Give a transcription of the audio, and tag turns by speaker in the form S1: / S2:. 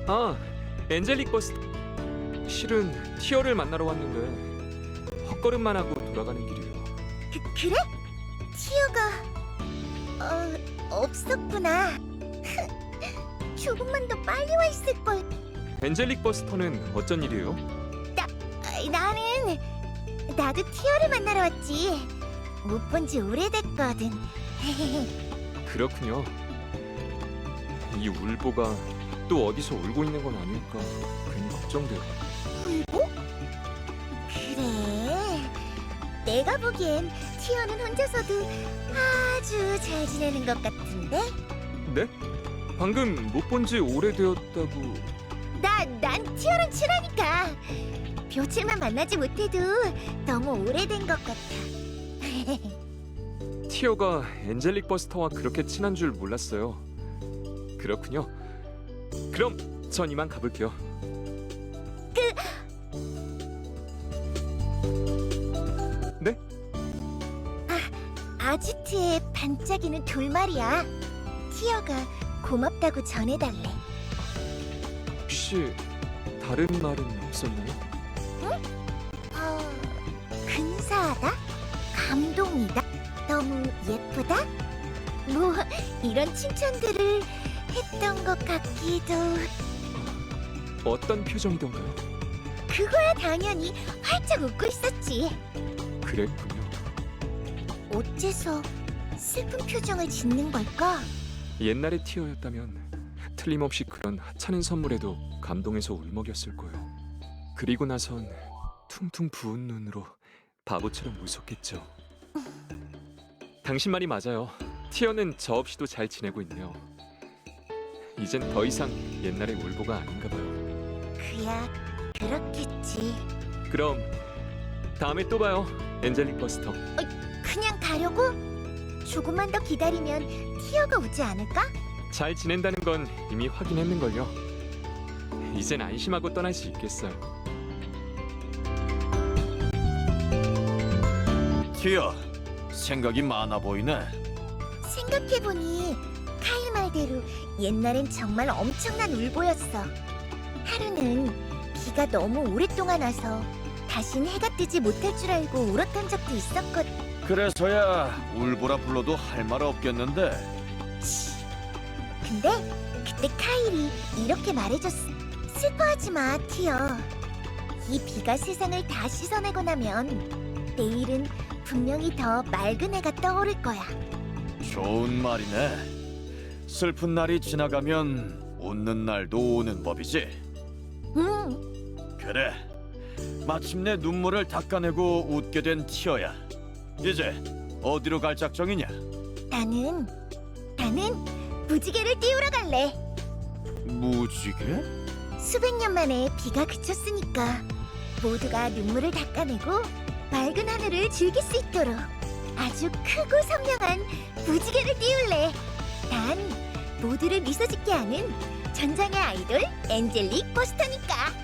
S1: 아, 엔젤릭 버스. 실은 티어를 만나러 왔는데 헛걸음만 하고 돌아가는 길이에요.
S2: 그래? 티어가 없었구나. 조금만 더 빨리 와 있을 걸.
S1: 엔젤릭 버스터는 어쩐 일이에요?
S2: 나도 티어를 만나러 왔지. 못 본 지 오래됐거든.
S1: 그렇군요. 이 울보가 또 어디서 울고 있는 건 아닐까 괜히 걱정돼요.
S2: 울보? 그래. 내가 보기엔 티어는 혼자서도 아주 잘 지내는 것 같은데?
S1: 네? 방금 못 본 지 오래되었다고.
S2: 난 티어랑 친하니까. 며칠만 만나지 못해도 너무 오래된 것 같아.
S1: 티어가 엔젤릭 버스터와 그렇게 친한 줄 몰랐어요. 그렇군요. 그럼 전 이만 가볼게요. 네?
S2: 아지트의 반짝이는 돌말이야. 티어가 고맙다고 전해달래.
S1: 혹시 다른 말은 없었나요?
S2: 근사하다? 감동이다? 너무 예쁘다? 뭐 이런 칭찬들을 했던 것 같기도.
S1: 어떤 표정이던가요?
S2: 그거야 당연히 활짝 웃고 있었지.
S1: 그랬군요.
S2: 어째서 슬픈 표정을 짓는 걸까?
S1: 옛날의 티어였다면 틀림없이 그런 하찮은 선물에도 감동해서 울먹였을 거예요. 그리고 나선 퉁퉁 부은 눈으로 바보처럼 웃었겠죠. 당신 말이 맞아요. 티어는 저 없이도 잘 지내고 있네요. 이젠 더 이상 옛날의 울보가 아닌가 봐요.
S2: 그야 그렇겠지.
S1: 그럼 다음에 또 봐요, 엔젤릭 버스터.
S2: 그냥 가려고? 조금만 더 기다리면 티어가 오지 않을까?
S1: 잘 지낸다는 건 이미 확인했는걸요. 이젠 안심하고 떠날 수 있겠어요.
S3: 티어, 생각이 많아 보이네.
S2: 생각해보니 카일 말대로 옛날엔 정말 엄청난 울보였어. 하루는 비가 너무 오랫동안 와서 다신 해가 뜨지 못할 줄 알고 울었던 적도 있었거든.
S3: 그래서야 울보라 불러도 할 말 없겠는데.
S2: 근데 그때 카일이 이렇게 말해줬어. 슬퍼하지 마, 티어. 이 비가 세상을 다 씻어내고 나면 내일은 분명히 더 맑은 해가 떠오를 거야.
S3: 좋은 말이네. 슬픈 날이 지나가면 웃는 날도 오는 법이지. 그래, 마침내 눈물을 닦아내고 웃게 된 티어야. 이제 어디로 갈 작정이냐?
S2: 나는 무지개를 띄우러 갈래.
S3: 무지개?
S2: 수백 년 만에 비가 그쳤으니까 모두가 눈물을 닦아내고 맑은 하늘을 즐길 수 있도록 아주 크고 선명한 무지개를 띄울래. 난 모두를 미소 짓게 하는 전장의 아이돌 엔젤릭 버스터니까.